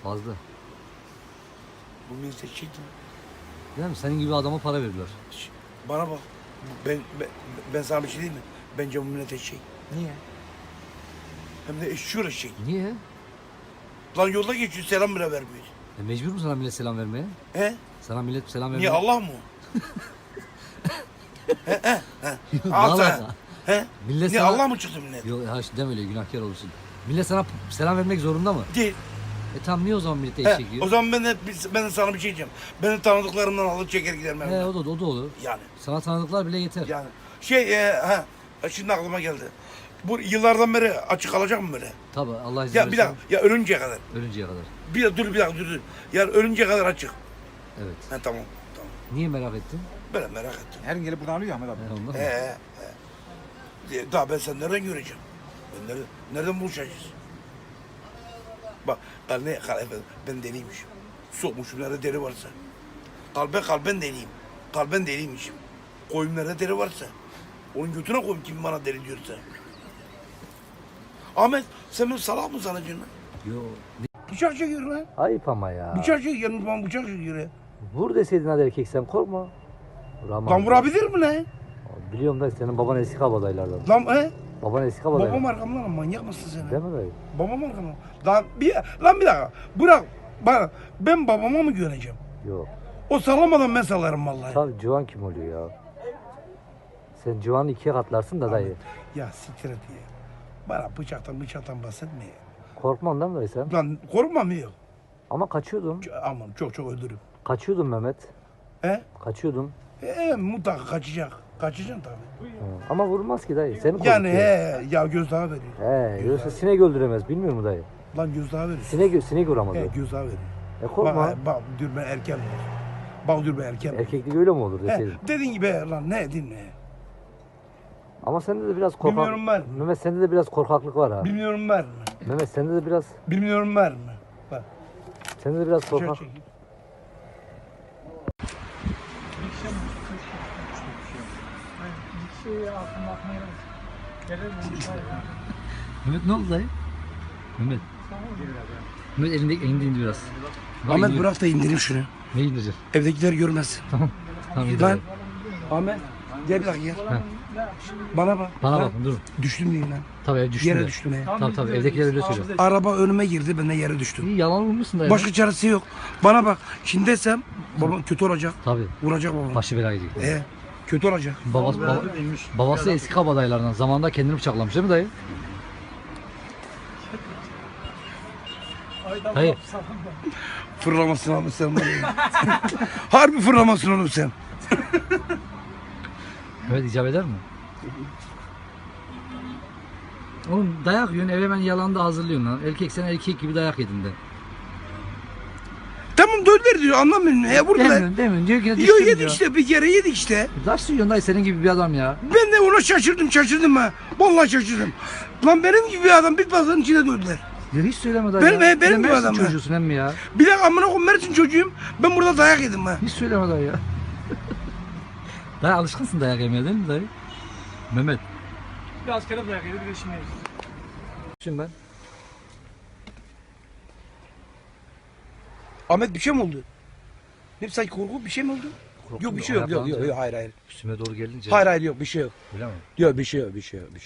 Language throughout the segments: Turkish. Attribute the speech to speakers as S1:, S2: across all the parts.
S1: Fazla.
S2: Bu mülteciydi.
S1: Değil mi? Senin gibi adama para veriyorlar.
S2: Bana bak. Ben sana bir şey diyeyim mi? Bence bu millet eşek.
S1: Niye?
S2: Hem de eşşur eşek.
S1: Niye?
S2: Lan yolda geçiyor selam bile vermiyor.
S1: Mecbur mu sana millet selam vermeye?
S2: He?
S1: Sana millet selam vermeye.
S2: Niye Allah mı?
S1: Vallahi.
S2: Al sen. He?
S1: Millet
S2: Niye
S1: sana...
S2: Allah mı çıktı millet?
S1: Yok ha deme öyle, günahkar olursun. Millet sana selam vermek zorunda mı?
S2: Değil.
S1: Tamam, niye o zaman millete
S2: He,
S1: eşek diyor?
S2: o zaman ben de sana bir şey diyeceğim. Benim tanıdıklarımdan alır çeker giderim ben.
S1: O da olur.
S2: Yani.
S1: Sana tanıdıklar bile yeter.
S2: Yani. Şimdi aklıma geldi. Bu yıllardan beri açık kalacak mı böyle?
S1: Tabii, Allah izin
S2: Ya
S1: verirse.
S2: bir dakika, ya ölünceye kadar.
S1: Ölünceye kadar.
S2: Bir dakika dur. Ya ölünceye kadar açık.
S1: Evet.
S2: He tamam.
S1: Niye merak ettin?
S2: Böyle merak ettim.
S3: Her gün gelip buradan alıyor Ahmet abi.
S1: Ondan mı?
S2: Daha ben sen nereden göreceğim? Nereden buluşacağız? Bak ben deliymişim. Sokmuşum nerede deri varsa. Kalben deliyim. Kalben deliymişim. Koyun nerede deri varsa. Onun götüne koyayım kim bana deli diyorsa. Ahmet sen beni salak mı sanacaksın lan?
S1: Yo.
S2: Bıçak çekiyor lan.
S1: Ayıp ama ya.
S2: Bıçak çekiyor. Bana bıçak çekiyor ya.
S1: Vur deseydin hadi erkek, sen korkma. Vuramam.
S2: Lan vurabilir mi lan?
S1: Biliyorum da senin baban eski kabadayılardan.
S2: Lan he?
S1: Baban eski kabadaylar.
S2: Babam arkamdan lan, manyak mısın sen?
S1: Değil mi dayı?
S2: Babam arkamdan. Bir dakika. Bırak. Bak ben babama mı güveneceğim?
S1: Yok.
S2: O sallamadan ben sallarım vallahi.
S1: Tabii Civan kim oluyor ya? Sen Civan'ı ikiye katlarsın da dayı.
S2: Ya siktir et ya. Bana bıçaktan bahsetme ya.
S1: Korkman değil mi dayı sen?
S2: Lan korkmam yok.
S1: Ama kaçıyordun.
S2: Aman çok öldürürüm.
S1: Kaçıyordun Mehmet.
S2: He?
S1: Kaçıyordun.
S2: Mutlaka kaçacak. Kaçacaksın tabii.
S1: Ama vurmaz ki dayı. Seni korkutuyor.
S2: Yani ya gözdağı veriyor.
S1: Yoksa sinek öldüremez. Bilmiyor mu dayı?
S2: Lan gözdağı veriyor.
S1: Sinek vuramaz o.
S2: Gözdağı veriyor.
S1: Korkma.
S2: Bak diyor ben erken. Bak diyor ben erken.
S1: Erkeklik öyle mi olur deseydin?
S2: Dediğin gibi lan ne dinle.
S1: Ama sende de biraz korkak.
S2: Bilmiyorum ben.
S1: Mehmet, sende de biraz korkaklık var ha.
S2: Bilmiyorum var mı?
S1: Mehmet, sende de biraz
S2: Var mı? Bak.
S1: sende de biraz korkak.
S2: Çekeyim.
S1: Mehmet ne oldu dayı? Mehmet. Mehmet elinde indi biraz.
S2: Ahmet bırak da indireyim şunu.
S1: Ne indireceksin?
S2: Evdekiler görmez.
S1: Tamam indir.
S2: Lan Ahmet gel bir dakika gel.
S1: Heh.
S2: Bana bak.
S1: Bana
S2: Lan,
S1: bakın dur.
S2: Düştüm diyeyim lan.
S1: Tabii düştün.
S2: Yere
S1: de.
S2: düştüm ya.
S1: Tabii evdekiler öyle söylüyor.
S2: Araba önüme girdi ben de yere düştüm.
S1: İyi, yalan vurmuşsun dayı.
S2: Başka çaresi yok. Bana bak şimdi desem babam kötü olacak.
S1: Tabii.
S2: Vuracak babam.
S1: Başı belaya gidecek.
S2: Kötü olacak.
S1: Babası eski kabadayılardan. Zamanında kendini bıçaklamış değil mi dayı? Hayır.
S2: Fırlamasın abi sen. Harbi fırlamasın oğlum sen.
S1: Evet, icap eder mi? Oğlum dayak yiyorsun, eve hemen yalan da hazırlıyorsun lan. Erkek, sen erkek gibi dayak yedin de.
S2: Tamam döndür diyor anlamıyorum. Vurdular.
S1: Demiyorsun. Diyor ki
S2: Yo
S1: düştüm
S2: yedik
S1: diyor.
S2: işte bir kere yedik işte.
S1: Nasıl yiyorsun dayı, senin gibi bir adam ya?
S2: Ben de ona şaşırdım ha. Vallahi şaşırdım. Lan benim gibi bir adam bit pazarının içine döndüler.
S1: Ya hiç söyleme dayı
S2: Benim-
S1: ya.
S2: benim
S1: Sen
S2: gibi
S1: Mersin
S2: adam ya.
S1: çocuğusun hem mi ya?
S2: Bir de amına koyayım Mersin çocuğuyum. Ben burada dayak yedim ha.
S1: Hiç söyleme dayı ya. Dayı alışkınsın dayak yemeye değil mi dayı? Mehmet.
S4: Bir askere dayak yedi, bir de şimdi yeriz.
S1: Şimdi ben.
S2: Ahmet bir şey mi oldu? Ne sanki korku bir şey mi oldu?
S1: Korktun
S2: Yok
S1: mu?
S2: bir şey yok. Yok
S1: Ayaklanınca
S2: hayır.
S1: Üstüme doğru gelince.
S2: Hayır yok bir şey yok.
S1: Öyle mi?
S2: Yok bir şey yok. Bir şey yok.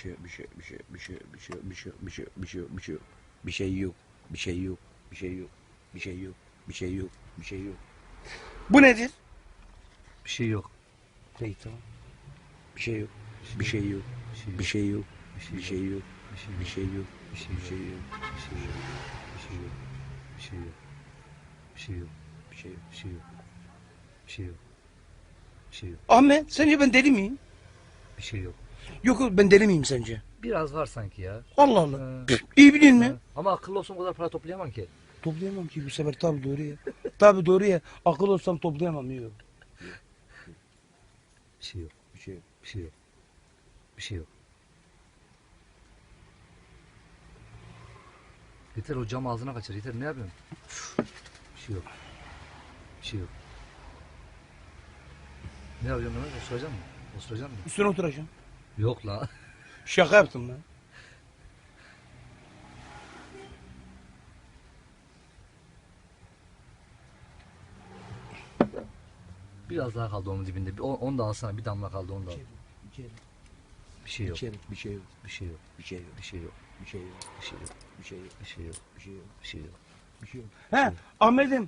S2: Bu nedir?
S1: Bir şey yok.
S2: Peki tamam. Bir şey yok. Bir şey yok. Bir şey yok. Bir şey yok. Bir şey yok.
S1: Bir şey yok. Bir şey yok. Bir şey yok. Bir şey yok. Bir şey yok. Bir şey yok. Bir şey yok. Bir şey yok.
S2: Ahmet sence ben deli miyim?
S1: Bir şey yok.
S2: Yok ben deli miyim sence?
S1: Biraz var sanki ya.
S2: Allah Allah. İyi bilin mi?
S1: Ama akıllı olsun, o kadar para toplayamam ki.
S2: Toplayamam ki bu sefer tabii doğru ya. Tabii doğru ya. Akıl olsam toplayamam yok.
S1: Bir şey yok. Bir şey yok. Bir şey yok. Bir şey yok. Yeter, o cam ağzına kaçır. Yeter, ne yapıyorsun? Bir şey yok. Bir şey yok. Ne yapıyorsun Mehmet? Osuracak mısın? Osuracak mısın?
S2: Üstüne oturacağım.
S1: Yok la.
S2: Şaka yaptım lan.
S1: Biraz daha kaldı onun dibinde. Onu da alsana. Bir damla kaldı onu da al.
S2: İçeri.
S1: Bir şey yok.
S2: İçeri. Bir şey yok.
S1: Bir şey yok.
S2: Bir şey yok.
S1: Bir şey yok.
S2: Bir şey yok.
S1: Bir şey yok.
S2: Bir şey yok.
S1: Bir şey yok.
S2: Bir şey yok.
S1: Bir şey yok.
S2: Bir şey yok. He Ahmet'im.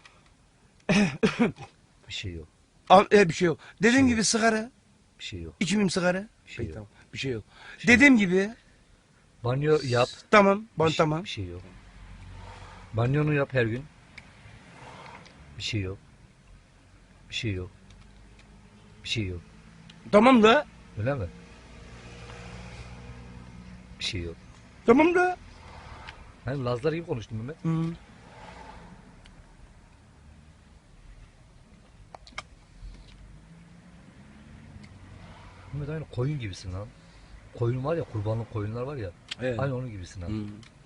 S1: Bir şey yok.
S2: Bir şey yok. Dediğim
S1: şey
S2: gibi sigara.
S1: Bir şey yok.
S2: İçmeyeyim sigara.
S1: Bir şey yok.
S2: Tamam. Bir şey yok.
S1: şey yok.
S2: Dediğim gibi.
S1: Banyo yap.
S2: Tamam.
S1: Bir şey-
S2: Tamam.
S1: Bir şey yok. Banyonu yap her gün. Bir şey yok. Bir şey yok. Bir şey yok.
S2: Tamam da.
S1: Öyle mi? Bir şey yok.
S2: Tamam da.
S1: Hani Lazlar gibi konuştun Mehmet.
S2: Hı.
S1: Mehmet aynı koyun gibisin lan. Koyun var ya, kurbanlık koyunlar var ya.
S2: Evet.
S1: Aynı onun gibisin ha.
S2: Hı.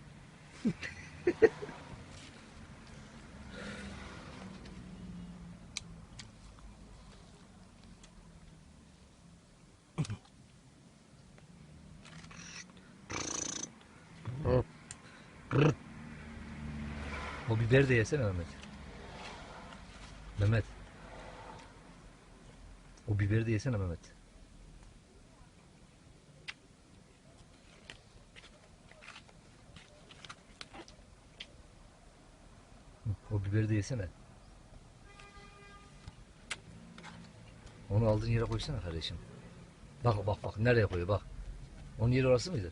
S1: O biberi de yesene Mehmet. Mehmet. O biberi de yesene Mehmet. O biberi de yesene. Onu aldığın yere koysana kardeşim. Bak bak bak nereye koyuyor bak. Onun yeri orası mıydı?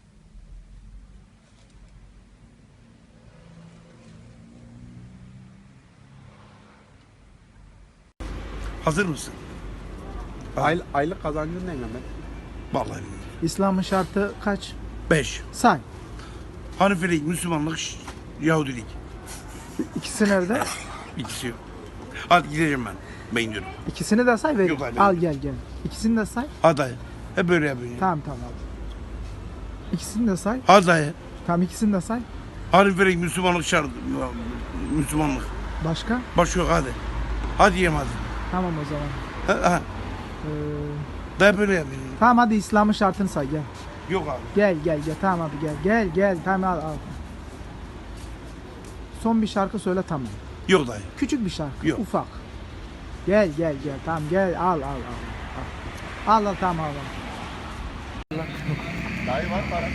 S2: Hazır mısın?
S3: Aylık kazancın ne Mehmet?
S2: Vallahi bilmiyorum.
S5: İslam'ın şartı kaç?
S2: 5.
S5: Say.
S2: Hanifelik, Müslümanlık, Yahudilik.
S5: İkisi nerede?
S2: İkisi yok. Hadi gideceğim ben. Ben gidiyorum.
S5: İkisini de say ver.
S2: Yok, hayır,
S5: Al
S2: ben-
S5: gel gel. İkisini de say.
S2: Hadi dayı. Hep böyle yapıyorsun.
S5: Tamam tamam al. İkisini de say.
S2: Hadi dayı.
S5: Tamam ikisini de say.
S2: Hanifelik, Müslümanlık şart. Müslümanlık.
S5: Başka?
S2: Başka yok hadi. Hadi yiyeyim hadi.
S5: Tamam o zaman.
S2: Ha.
S5: Ee,
S2: Dayı böyle yapıyorsun.
S5: tamam hadi İslam'ın şartını say gel.
S2: Yok abi.
S5: Gel gel gel. Tamam abi gel. Tamam al. Son bir şarkı söyle tamam.
S2: Yok dayı.
S5: Küçük bir şarkı.
S2: Yok.
S5: Ufak. Gel. Tamam gel al. Al tamam al.
S3: Dayı var para.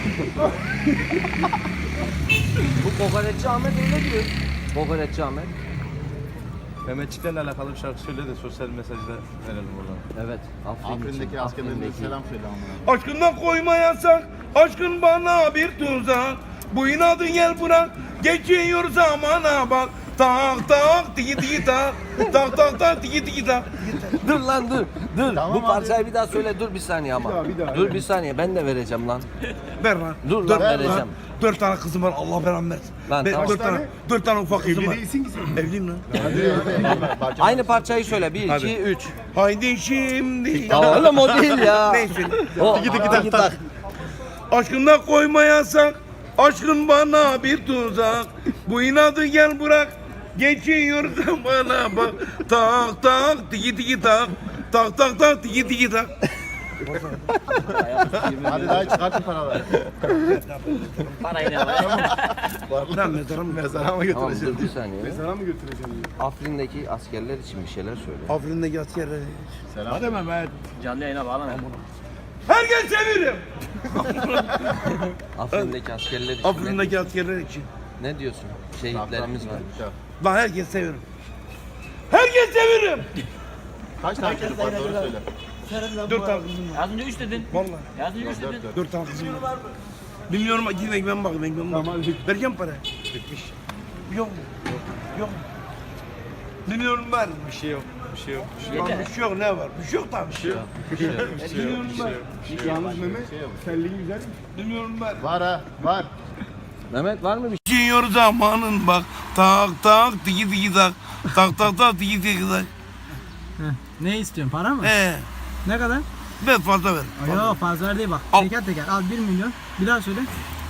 S6: Bu Kokoreççi Ahmet öyle diyor. Kokoreççi Ahmet.
S7: Mehmetçiklerle alakalı bir şarkı söyle de sosyal mesajda verelim buradan.
S6: Evet.
S3: Afrin'deki askerlerimize selam söyle amına.
S2: Aşkından koyma yasak. Aşkın bana bir tuzak. Bu inadı gel bırak. Geçiyor zamana bak. Tak tak tiki tiki tak. Tak tak tak tiki tiki tak.
S6: Dur lan dur. Dur.
S3: Tamam
S6: Bu
S3: abi.
S6: parçayı bir daha söyle. Dur bir saniye ama.
S3: Bir daha,
S6: dur bir saniye. Ben de vereceğim lan.
S2: Ver lan.
S6: Dur lan,
S2: Dört-
S6: vereceğim.
S2: 4 tane kızım var. Allah belamı versin.
S6: Lan tamam.
S2: 4 tane ufak kızım
S3: Evli
S2: var.
S3: değilsin ki sen.
S2: Evliyim lan.
S6: Aynı parçayı söyle. 1,
S2: Hadi.
S6: 2, 3.
S2: Haydi şimdi.
S6: Ya oğlum o değil ya.
S2: Neyse.
S6: O, tiki tak.
S2: Aşkından koyma yasak. Aşkın bana bir tuzak. Bu inadı gel bırak. Geçiyor zamana bak. Tak tak tiki tiki tak. Tak tak tak tiki tiki tak.
S3: Hadi dayı çıkartın paraları.
S6: Parayı ne
S2: Lan mezara mı?
S3: Mezara mı
S6: Tamam
S3: götüreceğim?
S6: dur bir saniye.
S3: Mezara mı götüreceğim?
S6: Afrin'deki askerler için bir şeyler söyle.
S2: Afrin'deki askerler.
S3: Selam. Hadi Mehmet.
S2: Herkes severim.
S6: Afrin'deki askerler için
S2: Afrin'deki askerler için.
S6: ne diyorsun? Şehitlerimiz var.
S2: Lan herkes severim. Herkes severim.
S3: Kaç tane çocuk var doğru söyle.
S2: 4 tane kızım var.
S8: Az önce 3 dedin.
S2: Vallahi.
S8: Az önce 3 dedin.
S2: 4 tane kızım var. Bilmiyorum gidin ekmeğime bakın ekmeğime bakın. Vereceğim para. Bitmiş. Yok mu? Yok mu? Bilmiyorum var.
S7: Bir şey yok. Bir şey yok.
S2: Lan bir şey yok ne var? Bir şey yok tabii. Bir şey yok. Bilmiyorum var.
S3: Yalnız Mehmet telliğin güzel mi?
S2: Bilmiyorum var.
S3: Var ha var.
S6: Mehmet var mı bir
S2: Geçiyor zamanın bak. Tak tak tiki tiki tak. Tak tak tak tiki tiki tak.
S5: Ne istiyorsun para mı?
S2: Ne
S5: kadar?
S2: ben fazla ver.
S5: Yok fazla değil bak.
S2: Al.
S5: Teker teker al 1 milyon. Bir daha söyle.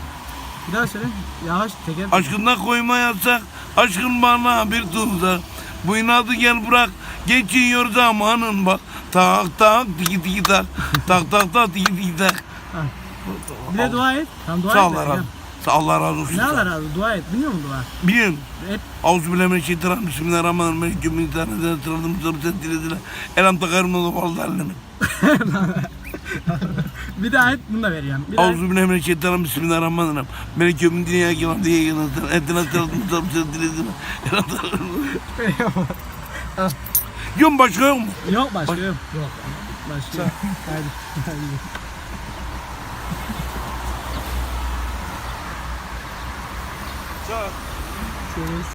S5: Yavaş teker.
S2: Aşkından koyma yasak. Aşkın bana bir tuzak. Bu inadı gel bırak. Geçiyor zamanın bak. Tak tak tiki tiki tak. Tak tak tak tiki tiki tak.
S5: Bir de dua et. Tamam dua
S2: Sağ
S5: et.
S2: ol Erhan. Allah razı olsun.
S5: Ne Allah razı olsun. Dua et. Biliyor musun dua?
S2: Biliyorum.
S5: Et.
S2: Euzubillahimineşşeytanirracim. Bismillahirrahmanirrahim. Bismillahirrahmanirrahim. Elham takarım da vallahi.
S5: Bir daha et. Bunu da vereceğim. Bir daha et.
S2: Euzubillahimineşşeytanirracim. Bismillahirrahmanirrahim. Beni kömün dünyaya gelen diye gelen. Etine sıratımı sarımsız diledim. Yok başka yok mu?
S5: Yok başka yok. Yok. Başka yok. Hadi. Hadi. Şöyle